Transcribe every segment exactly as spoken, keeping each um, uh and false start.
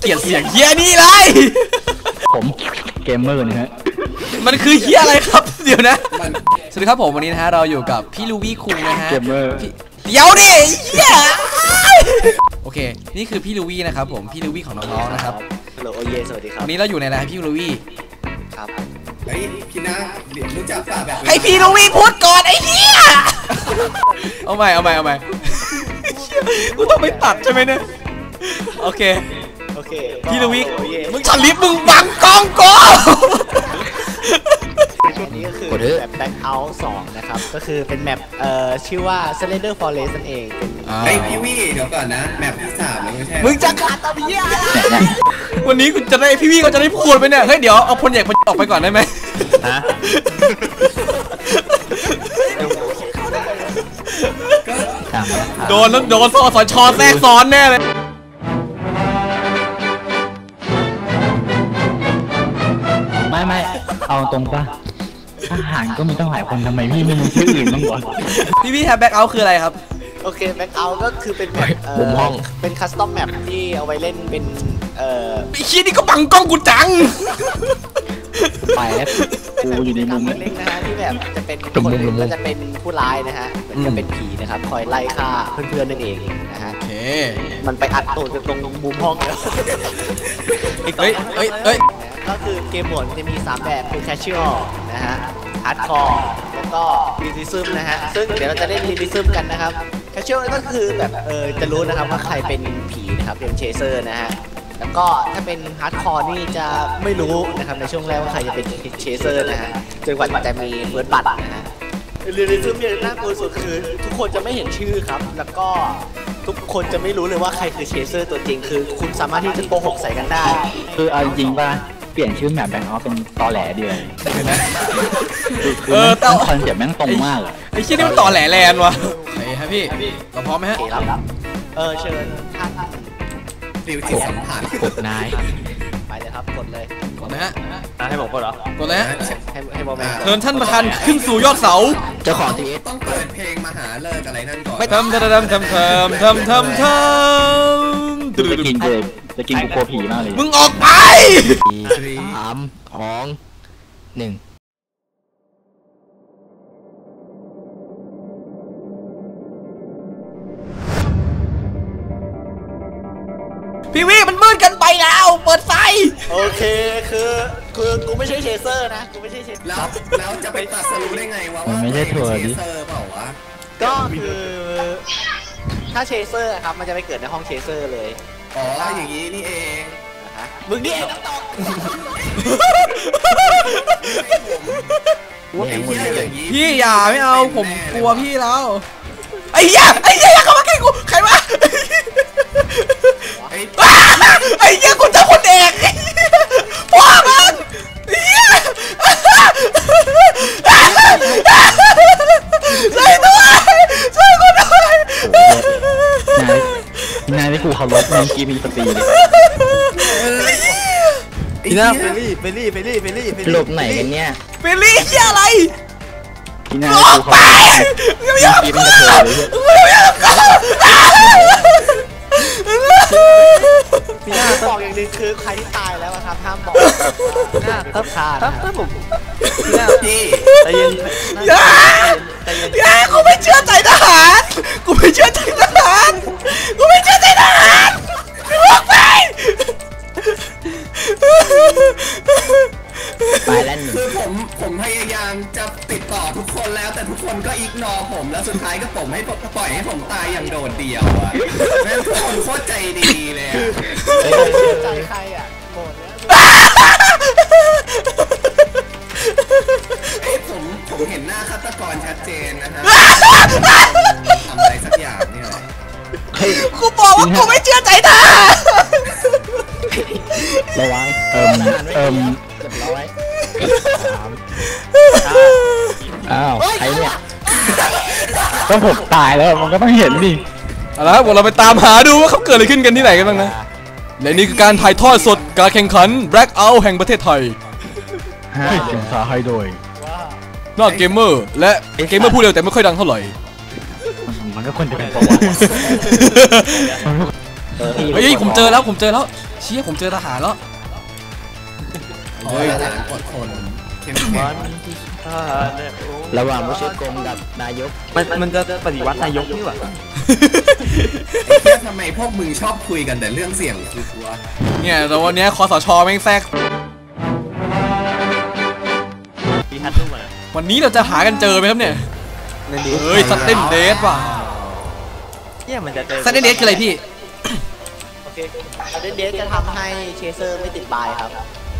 เกลียดเสียงเฮียนี่เลยผมเกมเมอร์นะฮะมันคือเฮียอะไรครับเดี๋ยวนะสวัสดีครับผมวันนี้นะฮะเราอยู่กับพี่ลูวี่คุงนะฮะเกมเมอร์เดี๋ยวดิเฮียโอเคนี่คือพี่ลูวี่นะครับผมพี่ลูวี่ของน้องๆนะครับฮัลโหลโอเยสวัสดีครับวันนี้เราอยู่ในอะไรพี่ลูวี่ครับเฮ้ยพี่นะเดี๋ยวรู้จักป่ะแบบให้พี่ลูวี่พูดก่อนไอ้เฮียเอาใหม่เอาใหม่เอาใหม่กูต้องไปตัดใช่ไหมเนี่ยโอเคโอเคพี่ลูวี่มึงฉลิบมึงบังกล้องกูอันนี้ก็คือแมปแบ็คเอาท์สองนะครับก็คือเป็นแมปเอ่อชื่อว่า Slender Forest นั่นเองไอพี่วี่เดี๋ยวก่อนนะแมปที่สามแล้วไม่ใช่มึงจะขาดตะเบียวันนี้กูจะได้พี่วี่ก็จะได้พูดไปเนี่ยเฮ้ยเดี๋ยวเอาพลใหญ่พลออกไปก่อนได้ไหมฮะโดนแล้วโดนสอสชแทรกซ้อนแน่เลยไม่ไม่เอาตรงป่ะทหารก็มีตั้งหลายคนทำไมพี่ไม่มีชื่ออื่นบ้างวะพี่พี่แฮปแบ็คเอาท์คืออะไรครับโอเคแบ็คเอาท์ก็คือเป็นแมปมุมห้องเป็นคัสตอมแมปที่เอาไว้เล่นเป็นเอ่อไอ้ชี้นี่ก็บังกล้องกูจังไปแล้วกูอยู่ในมุมเล็กนะฮะที่แบบจะเป็นคนนึงก็จะเป็นผู้ร้ายนะฮะมันจะเป็นผีนะครับคอยไล่ฆ่าเพื่อนๆนั่นเองนะฮะมันไปอัดตัวตรงมุมห้องแล้วเฮ้ยเฮ้ยเฮ้ยก็คือเกมโหมดจะมีสามแบบคือแคชชวลนะฮะฮาร์ดคอร์แล้วก็รีลิซึมนะฮะซึ่งเดี๋ยวเราจะเล่นรีลิซึมกันนะครับแคชชวลก็คือแบบเออจะรู้นะครับว่าใครเป็นผีนะครับเป็นเชเซอร์นะฮะแล้วก็ถ้าเป็นฮาร์ดคอร์นี่จะไม่รู้นะครับในช่วงแรกว่าใครจะเป็นเชเซอร์นะฮะจนกว่าจะมีเฟิร์สบัตนะฮะรีลิซึมเนี่ยน่ากลัวสุดคือทุกคนจะไม่เห็นชื่อครับแล้วก็ทุกคนจะไม่รู้เลยว่าใครคือเชเซอร์ตัวจริงคือคุณสามารถที่จะโกหกใส่กันได้คือเอาจริงป่ะเปลี่ยนชื่อแมปแบงค์ออฟเป็นตอแหลเดียวเออแต่คอนเซ็ปต์แม่งตรงมากไอ้ชิ้นนี้มันตอแหลแลนวะเฮ้ยครับพี่เราพร้อมไหมฮะเออเชิญท่านฟิวจิตสัมผัสกดนายไปเลยครับกดเลยกดนะฮะให้ผมกดเหรอกดเลยฮะให้ให้บอลแมนเชิญท่านประธานขึ้นสู่ยอดเสาเจ้าของทีต้องเปิดเพลงมหาเลิกอะไรนั่นก่อนไม่ทำทำทำทำทำทำทำทำจะกินเลยจะกินกูกลัวผีมากเลยมึงออกไปสามสองหนึ่งพี่วี่มันมืดกันไปแล้วเปิดไฟโอเคคือคือกูไม่ใช่เชเซอร์นะกูไม่ใช่เชเซอร์แล้วแล้วจะไปตัดสรุปได้ไงวะว่าไม่ใช่ทัวร์ดิก็คือถ้าเชเซอร์ครับมันจะไปเกิดในห้องเชเซอร์เลยอ๋ออย่างนี้นี่เองมึงนี่เองต้องตอบพี่อย่าไม่เอาผมกลัวพี่แล้วไอ้เหี้ยไอ้เหี้ยเขามาแกล้งกูใครวะไอ้เหี้ยกูจะคนเด็กพ่อมันเหี้ยช่วยด้วยช่วยกูด้วยนายนายที่กูเคารพนายกีมีสติเลยพี่น่าเฟลลี่เฟลลี่เฟลลี่เฟลลี่หลบไหนกันเนี่ยเฟลลี่เหี้ยอะไรพี่น่ากูเคารพกีเป็นกระเทยพี่น่าบอกอย่างนึงคือใครที่ตายแล้วครับห้ามบอกพี่น่าถ้าขาดถ้าผมพี่น่าพี่ใจเย็นอย่าอย่ากูไม่เชื่อใจทหารกูไม่เชื่อใจทหารกูไม่เชื่อใจทหารออกไปไปแล้วคือผมผมพยายามจะติดต่อทุกคนแล้วแต่ทุกคนก็อิกนอร์ผมแล้วสุดท้ายก็ผมให้ปล่อยให้ผมตายอย่างโดดเดี่ยวอ่ะแม่งทุกคนโคตรใจดีเลยใจใครอ่ะโกรธแล้วไอ้ผมผมเห็นหน้าฆาตกรชัดเจนนะฮะทำอะไรสักอย่างนี่แหละกูบอกว่ากูไม่เชื่อใจทหารระวังเอิมเอิมเรียบร้อยอ้าวใครเนี่ยก็ผมตายแล้วมันก็ต้องเห็นดิเอาละครับเราไปตามหาดูว่าเขาเกิดอะไรขึ้นกันที่ไหนกันบ้างนะและนี่คือการถ่ายทอดสดการแข่งขัน Black Out แห่งประเทศไทยให้เสียงสาให้โดยนอกเกมเมอร์และเกมเมอร์พูดเร็วแต่ไม่ค่อยดังเท่าไหร่มันก็ควรจะเป็นประวัติเฮ้ยผมเจอแล้วผมเจอแล้วเชี่ยผมเจอทหารแล้วเฮ้ยทหารกดคนเข้มแข็งระหว่างผู้ช่วยกรมกับนายกมันมันจะปฏิวัตินายกนี่หว่าไอ้เหี้ยทำไมพวกมึงชอบคุยกันแต่เรื่องเสี่ยงคือตัวเนี่ยแต่วันนี้คสชแม่งแทรกมีทัดรูปมาวันนี้เราจะหากันเจอไหมครับเนี่ยเฮ้ยซัตเทนเดสว่ะเนี่ยมันจะเจอซัตเทนเดสคืออะไรพี่โอเคเดนเดสจะทำให้เชเซอร์ไม่ติดบายครับ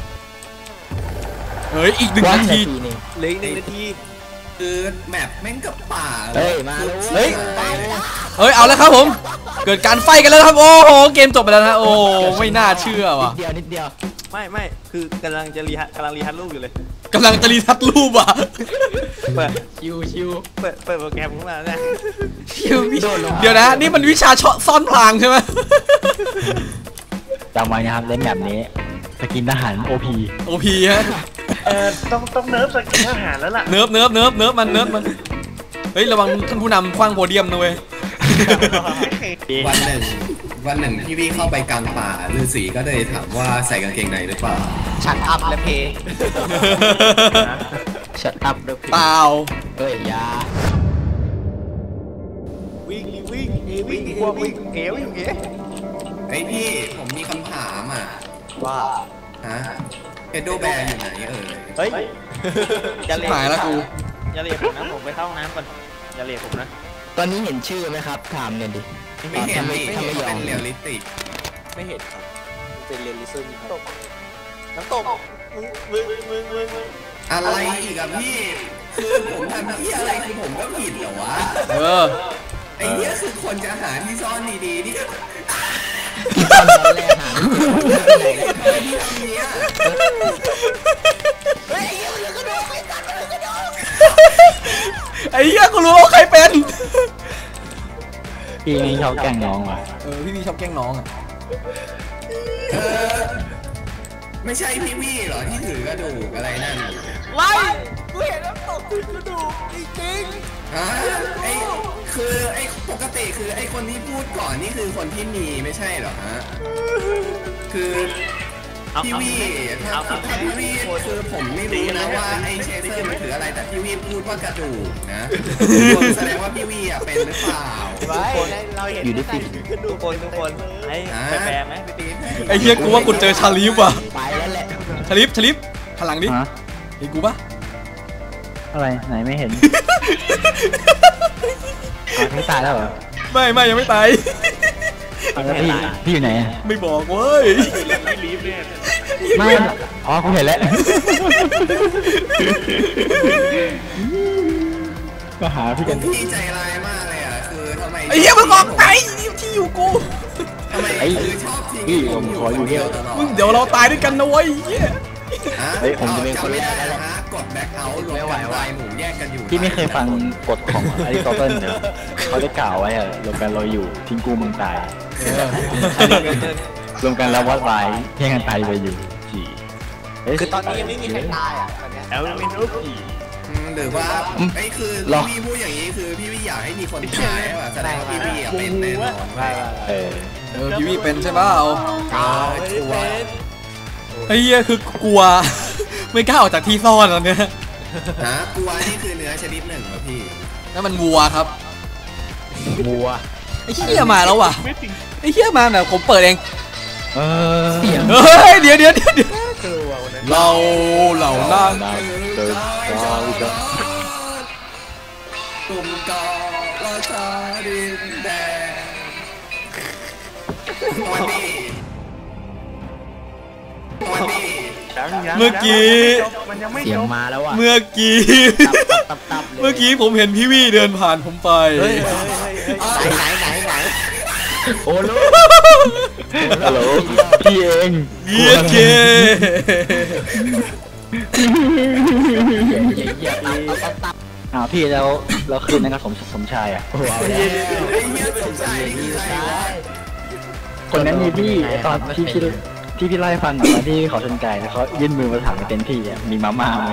เฮ้ยอีกหนึ่งนาทีเหลืออีกหนึ่งนาทีคือแมปแม่งกับป่าเฮ้ยมาแล้วเฮ้ยไปเลยเฮ้ยเอาแล้วครับผมเกิดการไฟกันแล้วครับโอ้โหเกมจบไปแล้วนะโอ้ไม่น่าเชื่อว่ะเดียวนิดเดียวไม่ไม่คือกำลังจะรีฮัทกำลังรีฮัทรูปอยู่เลยกำลังจะรีทัชรูปอ่ะเปิดชิวชิวเปิดเปิดโปรแกรมขึ้นมาเนี่ยเดี๋ยวนะนี่มันวิชาซ่อนพลางใช่ไหมจำไว้นะครับเล่นแบบนี้สกินทหารโอพีโอพีฮะเออต้องต้องเนิร์ฟสกินทหารแล้วล่ะเนิร์ฟเนิร์ฟเนิร์ฟเนิร์ฟมันเนิร์ฟมันเฮ้ยระวังท่านผู้นำคว้างโพเดียมนะเว้ยวันหนึ่งวันหนึ่งพี่วี่เข้าไปกลางป่าฤาษีก็เลยถามว่าใส่กางเกงในหรือเปล่าชัดอัพและเพย์ชัดอัพด้วยเปล่าเฮ้ยยาวิ่งวิ่งวิ่งกลัววิ่งเอ๋วอยู่เอ๋ไอ้พี่ผมมีคำถามอ่ะว่าฮะเอโดแบร์อยู่ไหนเอ่ยเฮ้ยอย่าเรียกหายแล้วกูอย่าเรียกผมนะผมไปเข้าห้องน้ำก่อนอย่าเรียกผมนะตอนนี้เห็นชื่อไหมครับถามเนี่ยดิไม่เห็นทำไมไม่ทำไมเห็นยอเป็มนเรียลลิติกไม่เห็นครับมันเป็นเรียลลิซึมน้ำตกน้ำตกมึงมึงมึงมึงมึงอะไรอีกอะพี่คือผมทำที่อะไรคือผมก็ผิดเหรอวะเออไอ้เนี้ยคือคนจะหาที่ซ่อนดีๆนี่ตอนแรกหาทำไมพี่ทำเนี้ยไอ้เหี้ยกูรู้ว่าใครเป็นพี่ไม่ชอบแกล้งน้องว่ะเออพี่วีชอบแกล้งน้องอ่ะเออไม่ใช่พี่วี่เหรอที่ถือกระดูกอะไรนั่นไว้กูเห็นน้ำตกคือกระดูกจริงฮะไอ้คือไอ้ปกติคือไอ้คนที่พูดก่อนนี่คือคนที่มีไม่ใช่เหรอฮะคือพี่วี่ถ้าถ้าพี่วี่คือผมไม่รู้นะว่าไอ้เชเซอร์มันถืออะไรแต่พี่วี่พูดว่ากระดูกนะแสดงว่าพี่วี่อ่ะเป็นหรือเปล่าๆไว้เราเห็นอยู่ที่สิทุกคนทุกคนไอ้ไปแปลไหมไปตีไอ้เหี้ยกูว่ากูเจอชาลีฟว่ะไปแล้วแหละชาลีฟชาลีฟหันหลังดิฮะเห็นกูปะอะไรไหนไม่เห็นอ้าวไม่ตายแล้วเหรอไม่ไม่ยังไม่ตายอ้าวแล้วพี่พี่อยู่ไหนอะไม่บอกเว้ยรีบเนี่ยไม่อ๋อกูเห็นแล้วก็หาพี่ผกันมพี่ใจร้ายมากเลยอ่ะคือทำไมไอ้เหี้ยมึงบอกไอ้ที่อยู่กูทำไมคือชอบทิ้งพี่ผมขออยู่เดียวตลอดมึงเดี๋ยวเราตายด้วยกันนะเว้ยเหี้ยเฮ้ยผมจะเป็นคนแรกจำไม่ได้นะฮะกดแบ็คเอาท์รวมกันตายหมู่แยกกันอยู่พี่ไม่เคยฟังกฎของอริสโตเติลเหรอเขาได้กล่าวไว้อะรวมกันเราอยู่ทิ้งกูมึงตายรวมกันแล้ววัดไว้แย่งกันตายไปอยู่สี่เฮ้ยคือตอนนี้ยังไม่มีใครตายอ่ะตอนเนี้ยแอลมินอุปผีอืมหรือว่าไอ้คือหรอพี่พูดอย่างนี้คือพี่วิอยากให้มีคนตายว่ะแสดงว่าพี่วิอ่ะเป็นแน่นอนเออเออพี่วีเป็นใช่เปล่าเออชัวร์ไอ้เหี้ยคือกลัว ไม่กล้าออกจากที่ซ่อนตอนเนี้ยฮะกลัวนี่คือเนื้อชนิดหนึ่งเหรอพี่นั่นมันวัวครับบัวไอ้เหี้ยมาแล้วว่ะไอ้เหี้ยมาแบบผมเปิดเองเออเสียงเฮ้ยเดี๋ยวเดี๋ยวเดี๋ยวเดี๋ยวกลัววันนั้นเราเหล่านั้นเดินก้าวจะกลุ่มกอราชาดินแดงวันนี้วันนี้เมื่อกี้มันยังไม่เสียจงบมาแล้วอ่ะเมื่อกี้ตับตับเลยเมื่อกี้ผมเห็นพี่วี่เดินผ่านผมไปไหนไหนไหนไหนโอ้ลูกฮัลโหลพี่เองเยี่ยเกอ้าวพี่แล้วเราคืนนะครับสมสมชายอ่ะไอ้เหี้ยสงสัยนี่คือใครวะคนนั้นมีพี่ตอนที่พี่ที่พี่ไล่าให้ฟังตอนที่เขาชนไก่แล้วเขายื่นมือมาถามในเต็นท์พี่อ่ะมีมาม่าไหม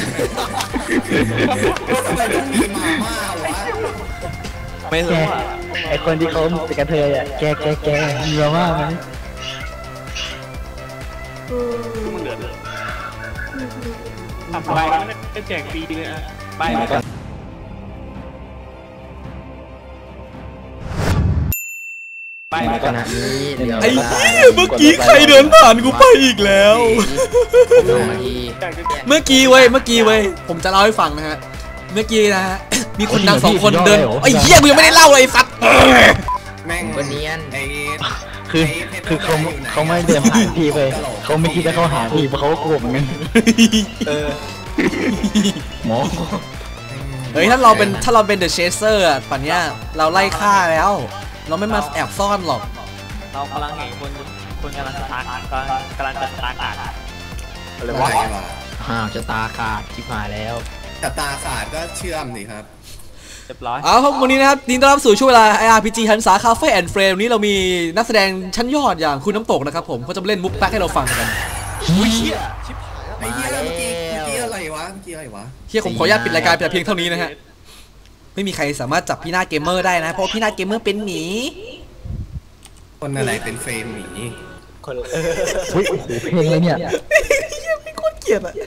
ทำไมต้องมีมาม่าวะไม่แกรู้อ่ะไอคนที่เขาเป็นกระเทยอ่ะแกแกแกมีมาม่าไหมมันเดือดเลยทำไปไม่แจกฟรีเลยอ่ะไปแล้วก็ไปแล้วก็นะนี่เดี๋ยวไอ้เหี้ยเมื่อกี้ใครเดินผ่านกูไปอีกแล้ว เมื่อกี้เว้ยเมื่อกี้เว้ยผมจะเล่าให้ฟังนะฮะเมื่อกี้นะฮะมีคนดังสองคนเดินไอ้เหี้ยกูยังไม่ได้เล่าเลยไอ้สัตว์แม่งคนเนียนไอ้คือคือเขาเขาไม่เดินผ่านพี่ไปเขาไม่คิดจะเข้าหาพี่เพราะเขาก็กลัวเหมือนกันหมอเฮ้ยถ้าเราเป็นถ้าเราเป็นเดอะเชสเซอร์อ่ะป่านเนี้ยเราไล่ฆ่าแล้ว เราไม่มาแอบซ่อนหรอกเรากำลังเห็นคนคนกำลังจะตากกำลังกำลังจะตากาดอะไรอะไรวะวะห่าวจะตาขาดที่ผ่านแล้วแต่ตาขาดก็เชื่อมสิครับเรียบร้อยเอาครับวันนี้นะครับยินดีต้อนรับสู่ช่วงเวลา ไอ อาร์ พี จี หันษาคาเฟ่แอนด์เฟรมนี้เรามีนักแสดงชั้นยอดอย่างคุณน้ำตกนะครับผมเขาจะมาเล่นมุกแป๊กให้เราฟังกันไอ้เหี้ยเมื่อกี้เมื่อกี้อะไรวะเมื่อกี้อะไรวะเฮียผมขออนุญาตปิดรายการแต่เพียงเท่านี้นะฮะไม่มีใครสามารถจับพี่หน้าเกมเมอร์ได้นะเพราะพี่หน้าเกมเมอร์เป็นหมีคนอะไรเป็นเฟรมหมีคนเออเฮ้ยโอ้โหเพลงอะไรเนี่ยเฮียไม่โคตรเกลียดอ่ะ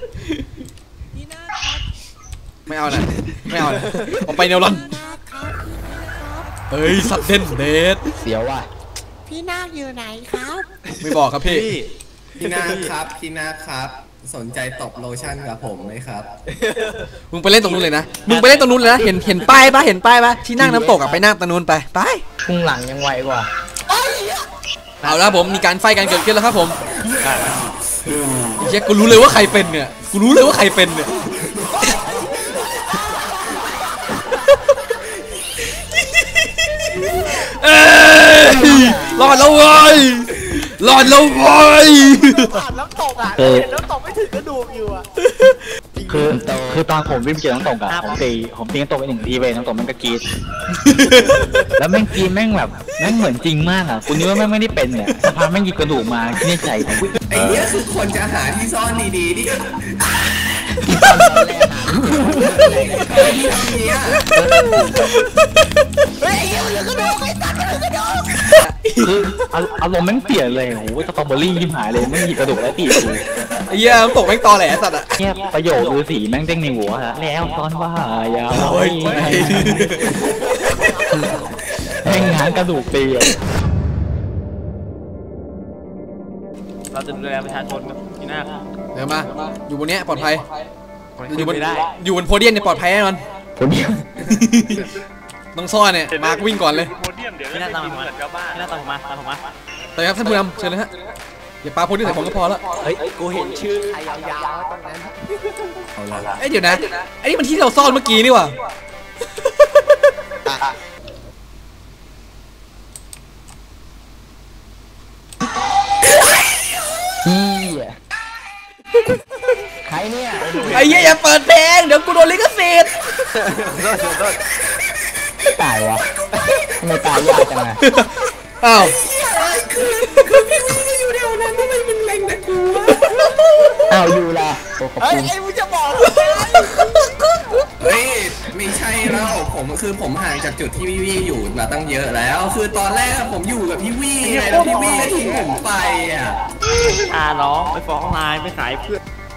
ไม่เอานะไม่เอานะผมไปเนวรอนเฮ้ยสัตว์เด่นเดดเสียวว่ะพี่นาคอยู่ไหนครับไม่บอกครับพี่พี่นาครับพี่นาครับสนใจตบโลชั่นกับผมไหมครับมึงไปเล่นตรงนู้นเลยนะมึงไปเล่นตรงนู้นเลยนะเห็นเห็นป้ายปะเห็นป้ายปะที่นั่งน้ำตกอะไปนั่งตรงนู้นไปไปพุ่งหลังยังไวกว่าเอาละผมมีการไฟกันเกิดขึ้นแล้วครับผมเฮียกูรู้เลยว่าใครเป็นเนี่ยกูรู้เลยว่าใครเป็นเนี่ยเอ้ยรอดแล้วเว้ยรอดแล้วเว้ยผ่านน้ำตกอ่ะเออเห็นน้ำตกไม่ถึงกระดูกอยู่อ่ะคือคือตอนผมวิ่งเจอน้ำตกอะผมตีผมตีน้ำตกไปหนึ่งทีไปน้ำตกมันก็กรีดแล้วแม่งกรีดแม่งแบบแม่งเหมือนจริงมากอะคุณนึกว่าแม่งไม่ได้เป็นเนี่ยสภาพแม่งหยิบกระดูกมาที่ในใจผมไอ้เนี้ยคือคนจะหาที่ซ่อนดีๆนี่ไอ้เนี้ยคืออารมณ์แม่งเปลี่ยนเลยโอ้โหสตรอเบอรี่ยิ้มหายเลยแม่งหยิบกระดูกแล้วตีกูไอ้เหี้ยน้ำตกแม่งตอแหลสัตว์อะเนี่ยประโยคฤาษีแม่งเด้งในหัวฮะแล้วตอนว่าอย่าโอ้ยแม่งง้างกระดูกตีเลยเราจะดูแลประชาชนกับพี่นาคเดี๋ยวมาอยู่บนเนี้ยปลอดภัยอยู่บนไม่ได้อยู่บนโพเดียมเนี่ยปลอดภัยแน่นอนคนเดียวต้องซ่อนเนี่ยมาร์ควิ่งก่อนเลยโพเดียมเดี๋ยวพี่นาตามผมมาพี่นาตามผมมาตามผมมาแต่ครับท่านผู้นำเชิญเลยฮะอย่าปาโพเดียมใส่ผมก็พอแล้วเฮ้ยกูเห็นชื่อใครยาวๆตรงนั้นเอาละเอ้ยเดี๋ยวนะไอ้นี่มันที่เราซ่อนเมื่อกี้นี่หว่าใครเนี่ยไอ้เหี้ยอย่าเปิดเพลงเดี๋ยวกูโดนลิขสิทธิ์ตายวะทำไมตายยากจังอะอ้าวอยู่เดียวนั้นทำไมมันเล็งแต่กูวะอ้าวอยู่ละโอ้ขอบเฮ้ยคุณไอ้มึงจะบอกเฮ้ยไม่ใช่แล้วผมคือผมห่างจากจุดที่พี่วี่อยู่มาตั้งเยอะแล้ว คือตอนแรกผมอยู่กับพี่วี่ไงแล้วพี่วี่ก็ทิ้งผมไปอ่ะพาน้องไปฟ้องนายไปขายเพื่อน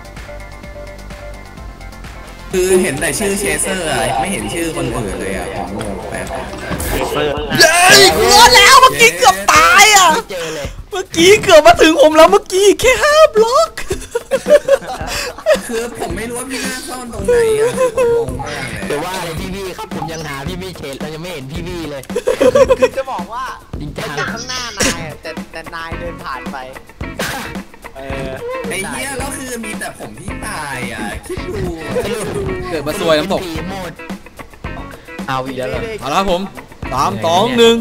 คือเห็นแต่ชื่อเชเซอร์อะไม่เห็นชื่อคนอื่นเลยอ่ะผมงงแป๊บเปิดเย้ยกูรอดแล้วเมื่อกี้เกือบตายอ่ะเมื่อกี้เกือบมาถึงผมแล้วเมื่อกี้แค่ห้าบล็อกคือผมไม่รู้ว่าพี่หน้าซ่อนตรงไหนอ่ะคือผมงงมากเลยเดี๋ยวว่าเลยพี่พี่ครับผมยังหาพี่พี่เชนเรายังไม่เห็นพี่พี่เลยคือจะบอกว่าจริงจังมันอยู่ข้างหน้านายอะแต่แต่นายเดินผ่านไปเออไอ้เหี้ยแล้วคือมีแต่ผมที่ตายอ่ะคิดดูเกิดมาซวยน้ำตกหมดเอาอีกแล้วเหรอเอาละครับผมสามสองหนึ่ง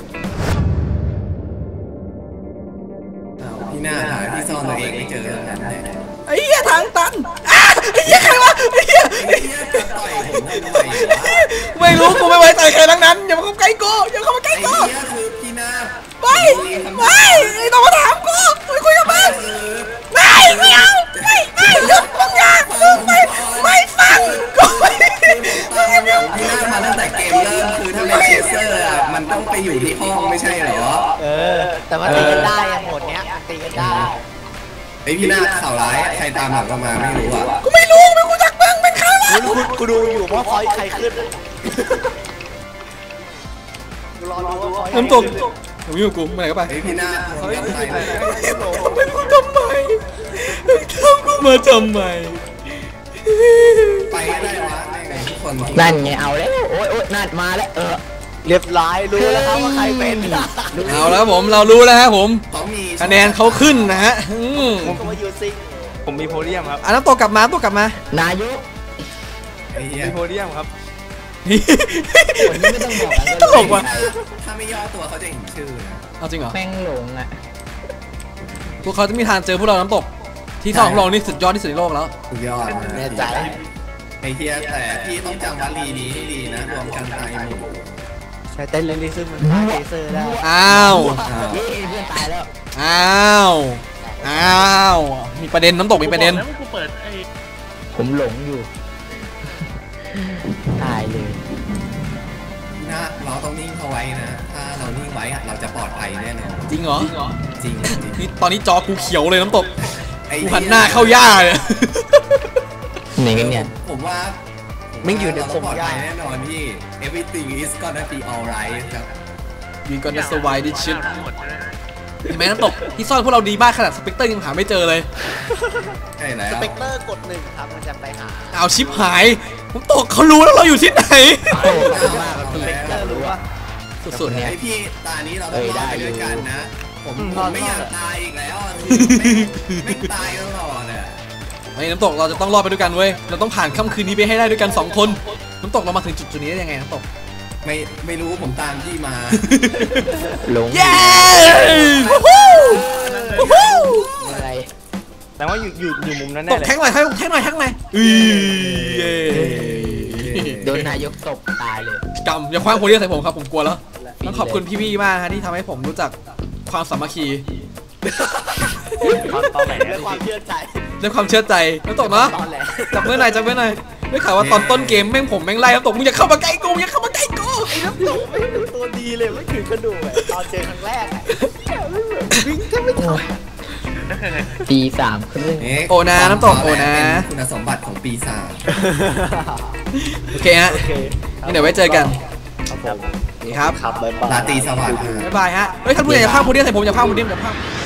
พี่หน้าหาที่ซ่อนตัวเองไม่เจอแล้วนั่นแหละไอ้เหี้ยทางตันอ้าไอ้เหี้ยใครวะไอ้เหี้ยไอ้เหี้ยจะต่อยผมทำไมวะไม่รู้กูไม่ไว้ใจใครทั้งนั้นอย่ามาเข้าใกล้กูอย่าเข้ามาใกล้ไอ้กูเหี้ยคือพี่หน้าไม่ไม่ไอ้ต้องมาถามกูไม่คุยกับมันไม่ไม่เอาไม่ไม่หยุดมึงอย่ามึงไม่ไม่ฟังกูไม่พี่หน้ามาตั้งแต่เกมเริ่มคือถ้าเป็นเชสเซอร์อ่ะมันต้องไปอยู่ที่ห้องไม่ใช่เหรอเออ แต่มันตีกันได้ยังหมดเนี้ยมันตีกันได้ไอพี่นาข่าวร้ายใครตามหลังเรามาไม่รู้อ่ะกูไม่รู้ไม่กูจักมึงเป็นใครวะกูกูกูดูอยู่ว่าพอยใครขึ้นกูรอดูว่าพอยน้ำตกหนูอยู่กับกูไปไหนก็ไปไอพี่นาเขาจะไปไหนเป็นกูทำไมทำกูมาทำไมไปก็ได้วะไงทุกคนนั่นไงเอาแล้วโอ๊ยโอ๊ยนั่นมาแล้วเออเรียบร้อยรู้แล้วครับว่าใครเป็นเอาแล้วผมเรารู้แล้วฮะผมเขามีคะแนนเขาขึ้นนะฮะอืมผมก็มายูซิงผมมีโพเดียมครับอ่ะน้ำตกกลับมาน้ำตกกลับมานายกไอ้เหี้ยมีโพเดียมครับนี่คนนี้ไม่ต้องบอกกันตลกว่ะถ้าไม่ย่อตัวเขาจะเห็นชื่อนะเอาจริงเหรอแม่งหลงอ่ะพวกเขาจะมีทางเจอพวกเราน้ำตกที่สองของเรานี่สุดยอดที่สุดในโลกแล้วสุดยอดแน่ใจไอ้เหี้ยแต่พี่ต้องจำวลีนี้ให้ดีนะรวมกันตายหมู่ใช้เต้นเลนซึ่งมันฆ่าเลเซอร์ได้อ้าวเย้เพื่อนตายแล้วอ้าวอ้าวมีประเด็นน้ำตกมีประเด็นแล้วกูเปิดไอ้ผมหลงอยู่ตายเลยนะเราต้องนิ่งเขาไว้นะ ถ้าเรานิ่งไว้อะเราจะปลอดภัยแน่นอนจริงเหรอจริงนี่ตอนนี้จอกูเขียวเลยน้ำตกไอ้กูหันหน้าเข้าย่าเลยไหนกันเนี่ยผมว่าไม่อยู่ในเราคต้องงปลอดยาภักยแน่นอนพี่ everything is gonna be alright ครับวีกอนสวายดิชิตทั้งหมดเลยเห็นไหมน้ำตกที่ซ่อนพวกเราดีมากขนาดสเปกเตอร์ยังหาไม่เจอเลยใช่แล้สวเปกเตอร์กดหนึ่งครับมันจะไปหาเอาชิปหายน้ำตกเขารู้แล้วเราอยู่ที่ไหนโอ้โหขอบคุณมากเอาคุณแล้เล็กวรู้ว่าสุดๆเนี่เนี่ยยไอพี่ตานี้เราต้องรอดไปด้วยกันนะ ผมอืมผมไม่รออดยากตายอีกแล้วอะไม่ไม่ตายตลอดอ่ะไอ้น้ำตกเราจะต้องรอดไปด้วยกันเว้ยเราต้องผ่านค่ำคืนนี้ไปให้ได้ด้วยกันสองคนน้ำตกเรามาถึงจุดจุดนี้ได้ยังไงน้ำตกไม่ไม่รู้ผมตามพี่มาหลงเย้วู้ฮู้วู้ฮู้อะไรแต่ว่าอยู่อยู่อยู่มุมนั้นตแน่กเลยแท็กหน่อยแท็กแท็กหน่อยแท็กหน่อยอือเย้โดนนายกตบตายเลยกำอย่าคว้างโพเดียมใส่ผมครับผมกลัวแล้วต้องขอบคุณพี่ๆมากฮะที่ทำให้ผมรู้จักความสามัคคีตอนไหนด้วยความเชื่อใจด้วยความเชื่อใจน้ำตกเนาะตอนแหลจับมือหน่อยจับมือหน่อยได้ข่าวว่าตอนต้นเกมแม่งผมแม่งไล่น้ำตกมึงอย่าเข้ามาใกล้กูอย่าเข้ามาใกล้กูน้ำตกไม่เป็นตัวดีเลยไม่ถึงกระดูกอะตอนเจอครั้งแรกอะวิ่งแทบไม่ทันตีสามครึ่งเอ๊โอนะน้ำตกโอนะเป็นคุณสมบัติของปีศาจโอเคฮะโอเคงั้นเดี๋ยวไว้เจอกันครับผมนี่ครับครับบ๊ายบายราตรีสวัสดิ์บ๊ายบายฮะเฮ้ยถ้าพูดอยากจะพากโพเดียมใส่ผมอย่าพากโพเดียมอย่าพาก